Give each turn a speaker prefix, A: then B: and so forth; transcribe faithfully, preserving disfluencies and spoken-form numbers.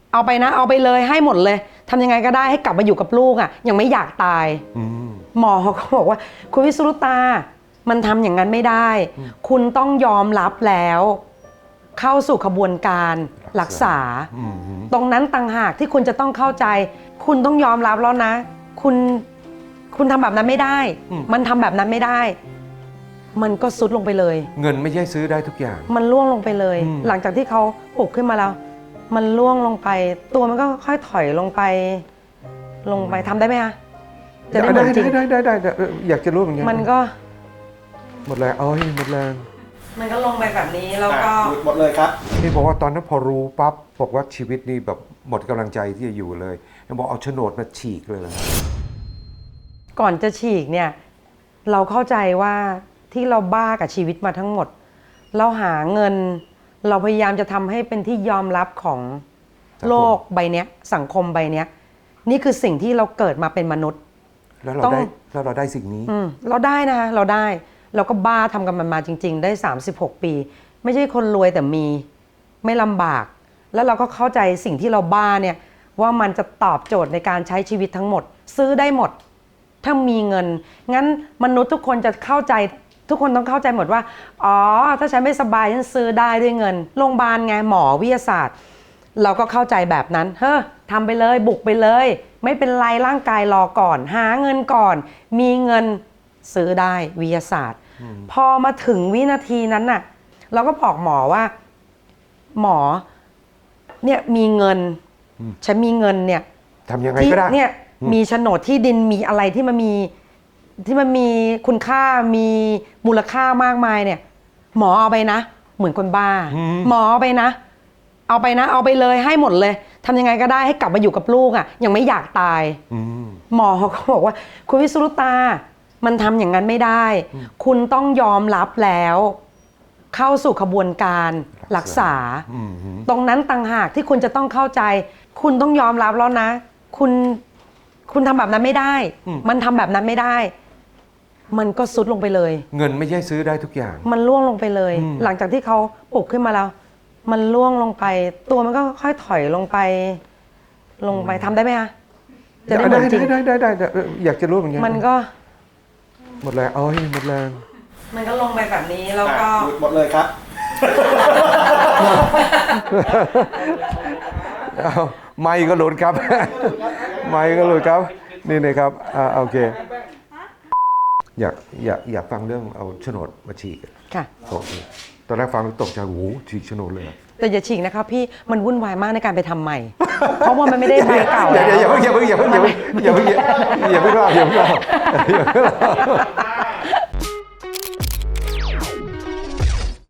A: เอาไปนะเอาไปเลยให้หมดเลยทำยังไงก็ได้ให้กลับมาอยู่กับลูกอ่ะยังไม่อยากตายหมอเขาก็บอกว่าคุณวิสรุตามันทำอย่างนั้นไม่ได้คุณต้องยอมรับแล้วเข้าสู่ขบวนการรักษาตรงนั้นต่างหากที่คุณจะต้องเข้าใจคุณต้องยอมรับแล้วนะคุณคุณทำแบบนั้นไม่ได้มันทำแบบนั้นไม่ได้มันก็ซุดลงไปเลย
B: เงินไม่ใช่ซื้อได้ทุกอย่าง
A: มันล่วงลงไปเลยหลังจากที่เขาปลุกขึ้นมาแล้วมันล่วงลงไปตัวมันก็ค่อยถอยลงไปลงไปทำได้ไหมคะ
B: จะได้ได้ได้ได้ได้ได้อยากจะรู้เหมือนกัน
A: มันก็
B: หมดแรงเอ้ยหมดแรง
A: มันก็ลงไปแบบนี้แล้วก็
C: หมดเลยครับ
B: นี่บอกว่าตอนนั้นพอรู้ปั๊บบอกว่าชีวิตนี่แบบหมดกำลังใจที่จะอยู่เลยบอกเอาโฉนดมาฉีกเลย
A: ก่อนจะฉีกเนี่ยเราเข้าใจว่าที่เราบ้ากับชีวิตมาทั้งหมดเราหาเงินเราพยายามจะทำให้เป็นที่ยอมรับของโลกใบนี้สังคมใบนี้นี่คือสิ่งที่เราเกิดมาเป็นมนุษย์
B: แล้วเราได้แล้วเราได้สิ่งนี้
A: เราได้นะคะเราได้เราก็บ้าทำกันมันมาจริงๆได้สามสิบหกปีไม่ใช่คนรวยแต่มีไม่ลำบากแล้วเราก็เข้าใจสิ่งที่เราบ้าเนี่ยว่ามันจะตอบโจทย์ในการใช้ชีวิตทั้งหมดซื้อได้หมดถ้ามีเงินงั้นมนุษย์ทุกคนจะเข้าใจทุกคนต้องเข้าใจหมดว่าอ๋อถ้าฉันไม่สบายฉันซื้อได้ด้วยเงินโรงพยาบาลไงหมอวิทยาศาสตร์เราก็เข้าใจแบบนั้นเฮ้อทำไปเลยบุกไปเลยไม่เป็นไรร่างกายรอก่อนหาเงินก่อนมีเงินซื้อได้วิทยาศาสตร์พอมาถึงวินาทีนั้นน่ะเราก็บอกหมอว่าหมอเนี่ยมีเงินฉันมีเงินเนี่ย
B: ทำยังไงก็ได้
A: เนี่ยมีโฉนดที่ดินมีอะไรที่มันมีที่มันมีคุณค่ามีมูลค่ามากมายเนี่ยหมอเอาไปนะเหมือนคนบ้าหมอเอาไปนะเอาไปนะเอาไปเลยให้หมดเลยทำยังไงก็ได้ให้กลับมาอยู่กับลูกอ่ะยังไม่อยากตายหมอเขาก็บอกว่าคุณวิสรุตามันทำอย่างนั้นไม่ได้คุณต้องยอมรับแล้วเข้าสู่ขบวนการรักษาตรงนั้นต่างหากที่คุณจะต้องเข้าใจคุณต้องยอมรับแล้วนะคุณคุณทำแบบนั้นไม่ได้มันทำแบบนั้นไม่ได้มันก็ซุดลงไปเลย
B: เงินไม่ใช่ซื้อได้ทุกอย่าง
A: มันล่วงลงไปเลยหลังจากที่เขาปลุกขึ้นมาแล้วมันล่วงลงไปตัวมันก็ค่อยถอยลงไปลงไปทำได้ไหมคะ
B: จะได้ได้ได้ได้ได้อยากจะรู้เหมือนกัน
A: มันก็
B: หมดแรงเอ้ยหมดแรง
A: มันก็ลงไปแบบนี้แล้วก็
C: หมดเลยครับ
B: ไม่ก็หลุดครับไม่ก็หลุดครับนี่นะครับอ่าโอเคอยากอยากอยากฟังเรื่องเอาโฉนดมาฉีก
A: ค่ะ
B: โอเคตอนแรกฟังตกใจโอ้โหฉีกโฉนดเลย
A: แต่อย่าฉีกนะครับพี่มันวุ่นวายมากในการไปทำใหม่เพราะว่ามันไม่ได้ใบเก่า
B: อย่าอย่าเพิ่งอย่าเพิ่งอย่าเพิ่งอย่าเพิ่งอย่าเพิ่งอย่าเพิ่งอย่าเพิ่งเล่าอย่าเพิ่งเล่า